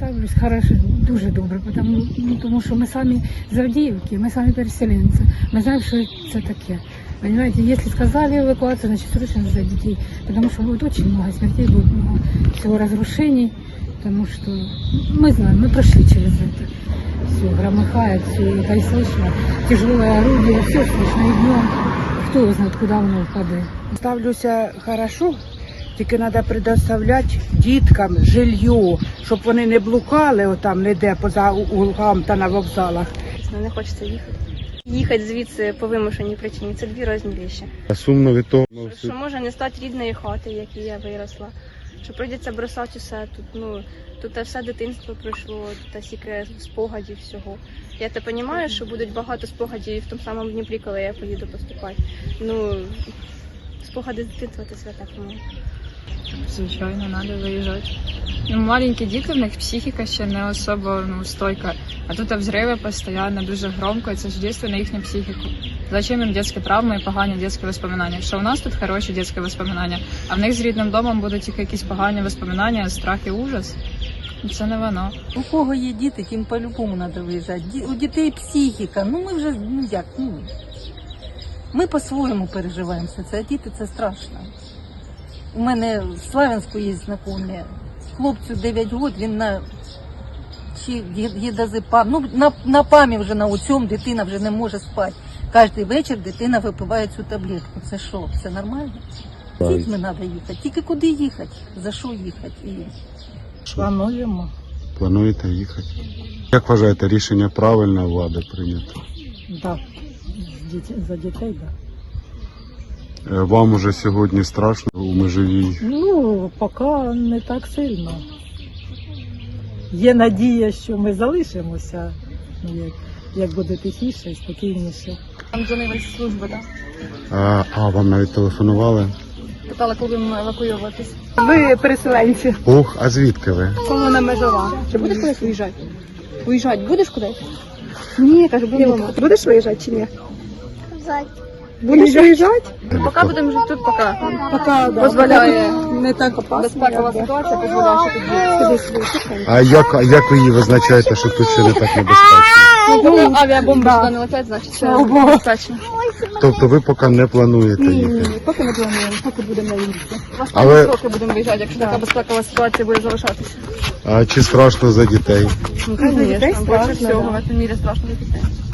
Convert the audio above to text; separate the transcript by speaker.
Speaker 1: ставлюсь хорошо, дуже добре, тому що ми самі з Авдіївки, ми самі переселенці. Ми знаємо, що це таке. Понимаете, если сказали эвакуацию, значит срочно за детей, потому что будет очень много смертей, будет много всего разрушений, потому что мы знаем, мы прошли через это. Все громыхает, все это и слышно, тяжелое орудие, все слышно, и днем, кто его знает, куда воно впаде.
Speaker 2: Ставлюся хорошо, тільки треба предоставляти діткам жилье, щоб вони не блукали отам ніде поза углам та на вокзалах.
Speaker 3: Не хочеться їхати. Їхати звідси по вимушеній причині – це дві різні речі.
Speaker 4: Сумно від того,
Speaker 3: Що може не стати рідної хати, в якій я виросла. Що прийдеться бросати усе тут. Тут все дитинство пройшло, тут стільки спогадів всього. Я те розумію, що будуть багато спогадів і в тому самому Дніпрі, коли я поїду поступати. Спогади з дитинства – це свята, по-моєму.
Speaker 5: Звичайно, треба виїжджати. Маленькі діти, в них психіка ще не особо стойка. А тут взриви постійно, дуже громко, і це ж дійсно на їхню психіку. Зачем їм дитячі травми і погані дитячі воспоминання? Що у нас тут хороші дитячі воспоминання, а в них з рідним домом будуть тільки якісь погані воспоминання, страх і ужас. Це не воно.
Speaker 6: У кого є діти, тим по-любому треба виїжджати. У дітей психіка, ми вже, ми по-своєму переживаємо все це, а діти це страшно. У мене в Славянську є знайомі. Хлопцю 9 років, він на гідазепам, на пам'ять вже на цьому дитина вже не може спати. Кожен вечір дитина випиває цю таблетку. Це що, це нормально? З дітьми треба їхати. Тільки куди їхати? За що їхати?
Speaker 2: Плануємо.
Speaker 4: Плануєте їхати? Як вважаєте, рішення правильне влади прийнято?
Speaker 2: Так, за дітей, так.
Speaker 4: Вам уже сьогодні страшно у Межигір'ї?
Speaker 7: Поки не так сильно. Є надія, що ми залишимося, як буде тихіше і спокійніше.
Speaker 5: Там дзвонили з служби, так?
Speaker 4: А вам навіть телефонували?
Speaker 5: Питали, коли будемо евакуюватись.
Speaker 2: Ви переселенці.
Speaker 4: Ох, а звідки ви?
Speaker 3: Комуна Межова. Чи будеш кудись виїжджати? Виїжджати будеш кудись? Ні, кажу, буду вдома. Будеш виїжджати чи ні? Будеш виїжджати? Поки будемо жити тут, поки дозволяє.
Speaker 7: Не так опасно.
Speaker 3: Безпекова ситуація дозволяє, що тут жити.
Speaker 4: А як ви її визначаєте, що тут ще не так небезпечно?
Speaker 3: Авіабомби сюди не летять, значить це безпечно.
Speaker 4: Тобто ви поки не плануєте їхати?
Speaker 3: Поки не плануємо, поки будемо на війні.
Speaker 4: Але-
Speaker 3: Роки будемо виїжджати, якщо така безпекова ситуація буде залишатися.
Speaker 4: А чи страшно за дітей?
Speaker 3: Звісно, більше всього в цьому мірі страшно за дітей.